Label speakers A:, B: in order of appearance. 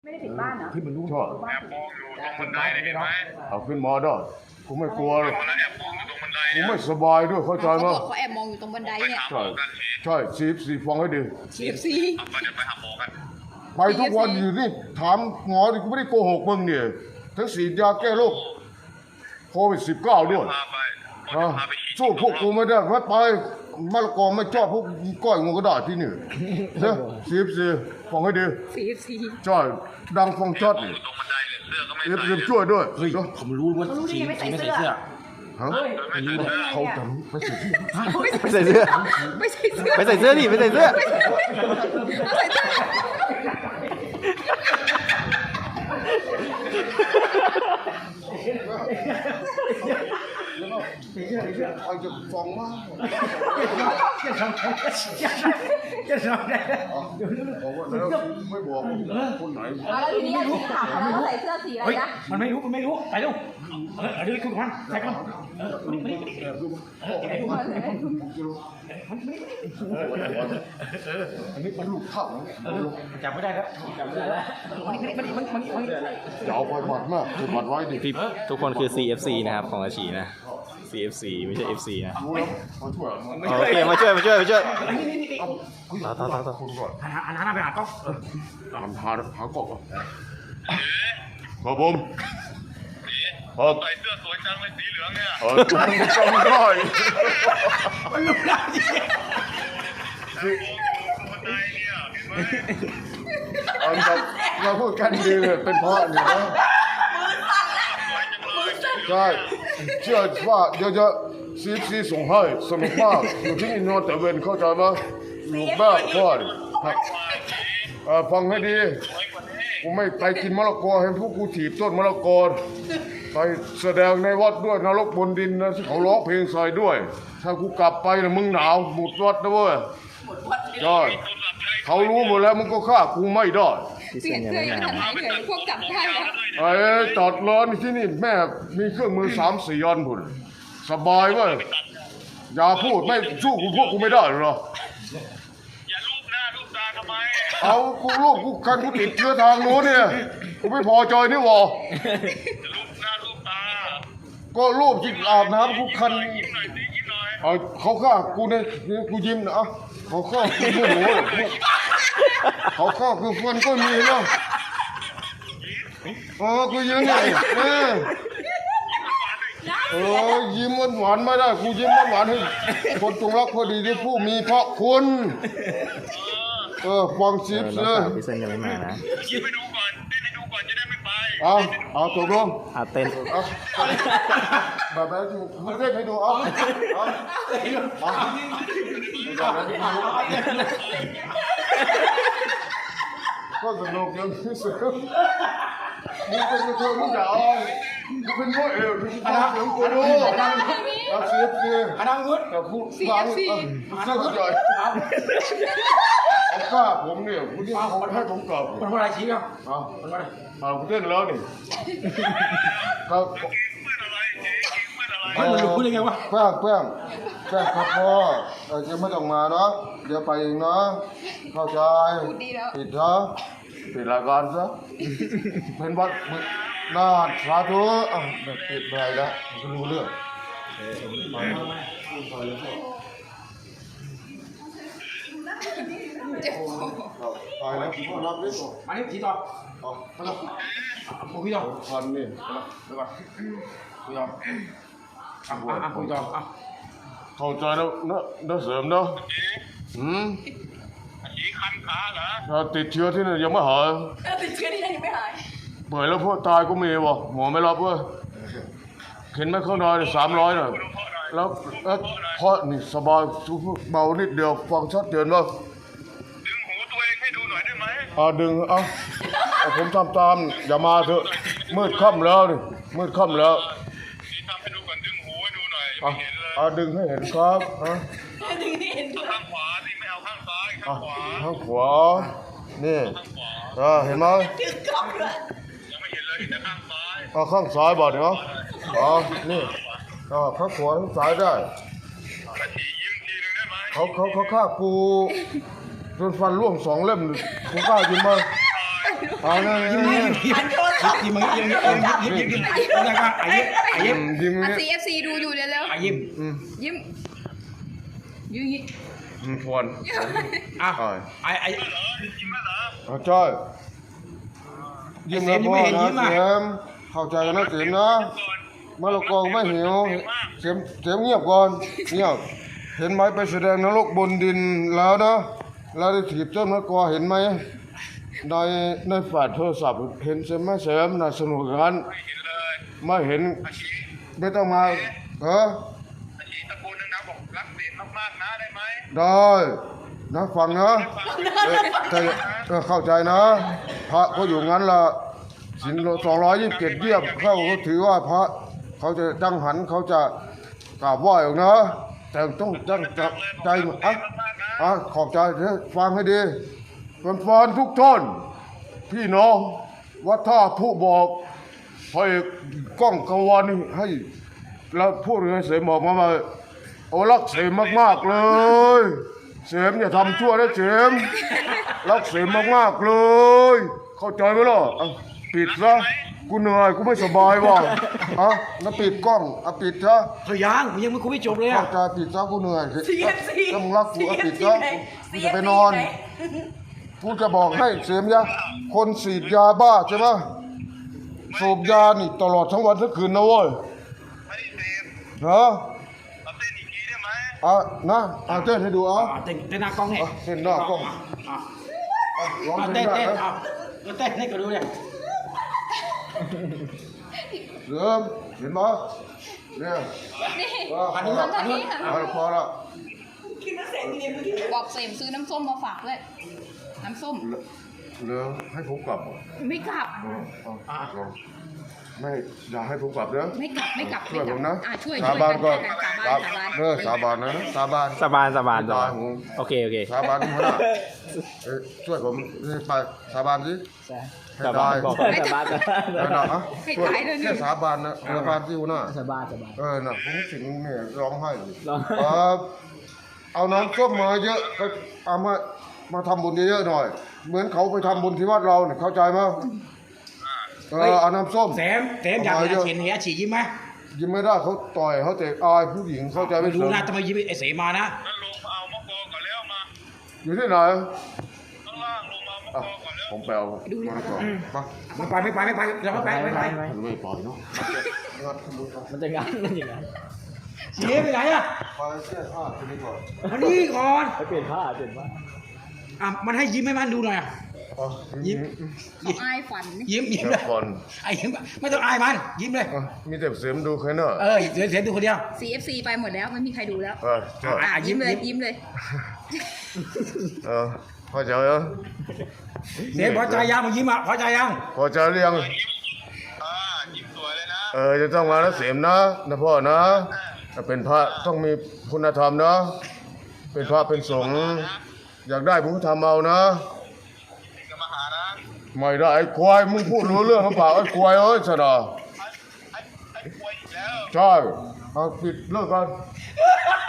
A: ไม่ได้ปิดบ้านเหรอ
B: ที่มันรู้
C: ชอบ
B: บ้าน
D: แอบมองอยู่ตรงบันไดเลยเห็นไหม
C: เอาขึ้นมาได้กูไม่กลัวหรอก
D: แล้วแอบมองอยู่ตรงบันได
C: กู
D: เนี่ย
C: ไม่สบายด้วยเข้าใจ
A: เขา
C: ไหม
A: บอกเขาแอบมองอยู่ตรงบันได
D: ไป
A: เนี่ย
D: หาหมอกันสิ
C: ใช่สีฟังให้ดี
A: TFC
D: เอาไปเดี๋ยวไปหาหมอกัน
C: ไปทุกวันอยู่นี่ถามหมอดิกูไม่ได้โกหกมึงเนี่ยทั้งฉีดยาแก้โรคโควิด19ด้วย
D: พาไป
C: นะ
D: พาไปฉีด
C: สู้พวกกูไม่ได้เพราะไปมะละกอไม่ชอบพวกก้อยงูกระดาษที่นี่เนอะสีฟังให้ดี
A: TFC
C: ใช่ดังฟังชัด
D: อ
C: นี่
D: ยู่ตรงบันไดเลยเสื้อก็ไม่
C: สี
D: ใส่
C: ช่วยด้วย
B: เฮ้ย
C: เนอะ
B: ผมรู้ว่าสีไม่ใส่เสื้อ
C: ฮะ
D: ไม่ใส่เสื้อ
C: เขาจำไม่ใช่ที่
E: ไม่ใส่เสื้อ
A: ไม่ใส่เสื้อ
E: ไม่ใส่เสื้อดิไม่ใส่เสื้อ
A: เอาใส่เสื้อ
C: ใครจะฟังมากบอกว่าแล้วไม่บอกคนไหน
A: แล้วทีนี้ที่ถามเขาว่าใส่เสื้อสีอะไร
B: เฮ้ย
A: นะ
B: มันไม่รู้ไปเร็วเดี๋ยวคุณพันใส่ก่อน
C: อันนี้มันลูกเข้า
B: จับไม่ได้แล้วจับไม่ได้แล้วมัน
C: อย่าเอาไปบัดมากเก็บบัดไว้ดิ
E: พี่ทุกคนคือ CFC นะครับของอาชีนะ CFC ไม่ใช่ FC นะ
C: รู้แล้วมาช่วยมัน
E: โอเคมาช่วยต่อ
C: คุณก่อน
B: หันหน้าไปหากล้อง
C: หากบครับผมครับ
D: ใส่เสื้อสวยจังเลยสีเหลืองเนี่ย
C: จำได้
B: มันรู้ได้
D: บันไดเนี่ยเห็นไหม
C: อันนั้นเราพูดกันดีเลยเป็นเพราะนี่นะ ใช่เชื่อว่าเดี๋ยวจะซีส่งให้สนุกมากอยู่ที่นี่นอนแต่เวนเข้าใจไหมลูกแม่พ่อดิฟังให้ดีกูไม่ไปกินมะละกอเห็นพวกกูถีบต้นมะละกอไปแสดงในวัดด้วยนรกบนดินนะที่เขาร้องเพลงใส่ด้วย ถ้ากูกลับไปนะมึงหนาวหมดวัดนะเว้ยใช่เขารู้หมดแล้วมึงก็ฆ่ากูไม่ได้
E: พี่
A: เปลี่
E: เซ
A: ยน
E: นยัง
A: เสื้อ
E: ไม่
A: ยัง
E: มา
A: ทำไมเถอะพวกจับได้แล้ว
C: ไอ้จอดร้อนที่นี่แม่มีเครื่องมือ3-4 อันพุ่นสบายเว้ยอย่าพูดไม่สู้กูพวกกูไม่ได้หรอ
D: อย่าลูบหน้าลูบตาทำไม
C: เอากูลูกกูคันกูติดเชื้อทางโน้นเนี่ยกูไม่พอใจนี่หวะ
D: อย่าลูบหน้าลูบตา
C: ก็รูปที่อาบน้ำกูคัน
D: ยิ้มหน่อยสิยิ้มหน่อย
C: เอาเขาฆ่ากูเนี่ยกูยิ้มนะอ่ะเขาฆ่ากูโมโหเขาฆ่ากูฟันก็มีนะกูยิ้มไงยิ้มหวานไม่ได้กูยิ้มหวานให้คนจงรักพอดีที่ผู้มีพระคุณฟังซิป
E: น้
C: เล
E: อง
C: ย
E: สาวพี่เซนยังไม่มานะ
D: ยิ้มไปดูก่อนเต้นให้ดูก่อนจะได้ไม่ไป
C: เอาตกลง
E: เต้น
C: แบบนั้นมึงเล่นให้ดูก็สนุกยังที่สุดมึงเป็นกระเทยมึงอย่าเอามึงเป็นพวกเอวมึงเป็นเสียงกูดูเอาเสียบเสียบ
B: อันนั้นงุด
C: แต่พูดฟังเสื้อใหญ่เอากล้าผมเนี่ยคุณที่เขาให้ผมกลับ
B: มันว่าอะไรชี้ครับ
C: เอาคุณเต้นแล้วนี่ครับ
D: เพื่อนอะไรเจ๊เพื่อนอะไร
B: เฮ้ยมันรู้ได้ไงวะ
C: แป้งครับพ่อจะไม่ต้องมาเนาะเดี๋ยวไปเองนะเข้าใจ
A: พูดดีแล้ว
C: ปิดนะปิดรายการซะเป็นวัดหน้าสาธุปิดไปแล้วก็รู้เรื่อง
A: เจ็บคอ
C: ไปแล้วผมรับนี่ก่อน
B: มานี่ชี้ต่อ
C: มาแล้ว
B: คุยต่อ
C: พันนี่
B: เดี๋ยวก่อนคุยต่อคุยต่อ
C: เข้าใจแล้วนะเสริมเนาะ
D: สีคันขาเหรอ
C: ถ้าติดเชื้อที่นี่ยังไม่หาย
A: ติดเชื้อที่ไหนยังไม่หาย
C: เปิดแล้วพวกตายก็มีวะหมอไม่รับเว้ยเข็นไม่เข้านอน300น่ะแล้วเพราะนี่สบายเบานิดเดียวฟังชัดเจนว่า
D: ดึงหูตัวเองให้ดูหน่อยได้ไหม
C: ดึงผมทำตามอย่ามาเถอะมืดค่ำแล้วนี่มืดค่ำแล้ว
D: สีทำให้ดูก่อนดึงหูให้ดูหน่อยไม่เห็นเลย
C: ดึงให้เห็นครับ
A: ดึงให้เห็นด้วย
D: ข้างขวาสิไม่เอาข้างซ้ายข้างขวา
C: ข้างขวานี่
D: ข้างขวา
C: เห็นไหม
A: ถือกล้องด้วย
D: ยังไม่เห็นเลยเห็นแต่ข้างซ้าย
C: ข้างซ้ายบอกเนาะนี่ข้างขวาข้างซ้ายได้
D: กระฉียิ้มทีนึงได้ไหม
C: เขาฆ่ากูจนฟันร่วง2 เล่มกูกล้ายินไหม
D: ไ
C: เอาเลย
F: ยิ้มยิ้มยิ้ม
A: หันโทรศัพท์
F: ยิ้มยิ้มยิ้มยิ้มยิ้มยิ้มแล้วก็ยิ้ม
C: ยิ้ม
A: อ่ะ
C: นี่
A: CFC ดูอยู่เร็ว
F: ยิ้ม
A: ๆยิ้มยิ้ม
C: ควร
F: อ่ะ
C: อ่า
F: ไอ้
D: เหรอจริงไหมเหรอ
C: เอาจ้อยยิ้มนะพ่อนะเสียมเข้าใจกันนะเสียมนะมะละกอไม่หิวเสียมเงียบก่อนเงียบเห็นไหมไปแสดงนรกบนดินแล้วนะแล้วได้ถีบต้นมะละกอเห็นไหมในแฟลชโทรศัพท์เห็นใช่ไหมเสียมน่ะสนุกกัน
D: ไม่เห็นเลย
C: ไม่เห็น
D: อาชี
C: ไม่ต้องมาเออ
D: อาชีตะโกนดังๆบอกรักเสียงมากๆนะได้ไหม
C: ได้นะฟังนะแต่เข้าใจนะ พระก็อยู่งั้นละศีล227เยี่ยมเขาถือว่าพระเขาจะตั้งหันเขาจะกราบไหว้ออกนะ แต่ต้องตั้งใจขอบใจฟังให้ดีแฟนๆทุกท่านพี่น้องวัดท่าผู้บอกให้กล้องกวันให้แล้วพูดให้เสมออกมาโอ้รักเสมมากๆเลยเสมอย่าทำชั่วนะเสมรักเสมมากๆเลย เข้าใจไหมล่ะปิดซะกูเหนื่อยกูไม่สบายว่ะแล้วปิดกล้องปิดซะ
F: เขายังไม่คุยไม่จบเลย
C: เข้า
F: อ่ะ
C: ใจปิดซะกูเหนื่อย
A: CFC
C: ถ้ามึงรักกูปิดซะกูจะไปนอนกูจะบอกให้เสมยะคนฉีดยาบ้าใช่ไหมสูบยานี่ตลอดทั้งวันทั้งคืนนะเว้ย
D: ไม่ได้เสพ
C: เหรอ
D: เราเต้นอีกทีได้ไหม
C: นะเต้นให้ดู
F: เต้นหน้ากล้องเนี่ย
C: เต้นหน้ากล้องร้องเพล
F: เต้
C: ง
F: น
C: ได้
F: เต้น
C: นะ
F: เต้นให้ก็ดูเนี่ย
C: เริ่มเห็นไหมเนี่ย
A: นี่
F: อันนี้
A: ทางนี้ค่ะ
C: พอละ
A: บอกเสมซื้อน้ำส้มมาฝากด้วยน้ำส้ม
C: เหลือให้ผมกลับ
A: ไม่กลับ
C: ไม่อย่าให้ผมกลับเด้อ
A: ไม่กลับไม่กลับ
C: ช่วยผมนะ
A: ช่วย
C: สาบานก่อน
A: สาบาน
C: สาบานนะสาบาน
E: สบาน
C: ไม่ตายผม
E: โอเค
C: สาบานที่หัวหน้าช่วยผมไปสาบานสิ
E: สบานบอกสบาน
A: ให้ตายเลย
C: แค่สาบานนะสาบานที่หัวหน้า
E: สบาน
C: น่ะผมถึงเนี่ยร้องไห้เลยเอาน้ำส้มมาเยอะก็เอามาทำบุญเยอะๆหน่อย เหมือนเขาไปทำบุญที่วัดเราเนี่ยเข้าใจไหมเอาน้ำส้ม
F: แถมอยากเห็นอาชียิ้มไหม
C: ยิ้มไม่ได้เขาต่อยเขาเตะอายผู้หญิงเข้าใจไหม
F: ไม่รู้นะทำไมยิ้มไอ้เสมานะ
D: งั้นลงมาเอามะกอกก่อนแล้วมา
C: อยู่ที่ไหน
D: ข้างล่างลงมาเอามะกอกก่อนแล้ว
C: ผมแปลมาก่อนไป
F: ไม่ไปเราไม่ไป
C: ไม่ปล่อยเนาะ
E: มันจะงั้นมันอย่างนั้น
F: เสียไปไหนอ่ะ
C: ไปเสื้อผ้าทีนี้ก่อน
F: มานี่ก่อน
E: เปลี่ยนผ้า
F: มันให้ยิ้มให้มันดูหน่อยยิ้ม
A: เขาอายฝัน
F: ยิ้ม
C: เดี๋ยว
F: เลย
C: ก่อน
F: ไอ้ยิ้มไม่ต้องอายมันยิ้มเลย
C: มีแต่เสียมดูแค่นั้น
F: เสียดูคนเดียว
A: CFC ไปหมดแล้วไม่มีใครดูแล้ว
C: ใช่
A: ยิ้มเลยยิ้มเลย
C: พอใจเหรอ
F: เสียพอใจยังมายิ้มอ่ะพอใจยัง
C: พอใจหรือยัง
D: ยิ้มสวยเลยนะ
C: จะต้องมาแล้วเสียมนะพ่อนะเป็นพระต้องมีคุณธรรมนะเป็นพระเป็นสงฆ์อยากได้ผมทำเอานะ
D: เอกมาหานะ
C: ไม่ได้ไอ้ควายมึงพูดรู้เรื่องหรือเปล่าไอ้ควายชนะ
D: ไอ้ป่วยอีกแล้ว
C: ใช่เอาปิดเลิกกัน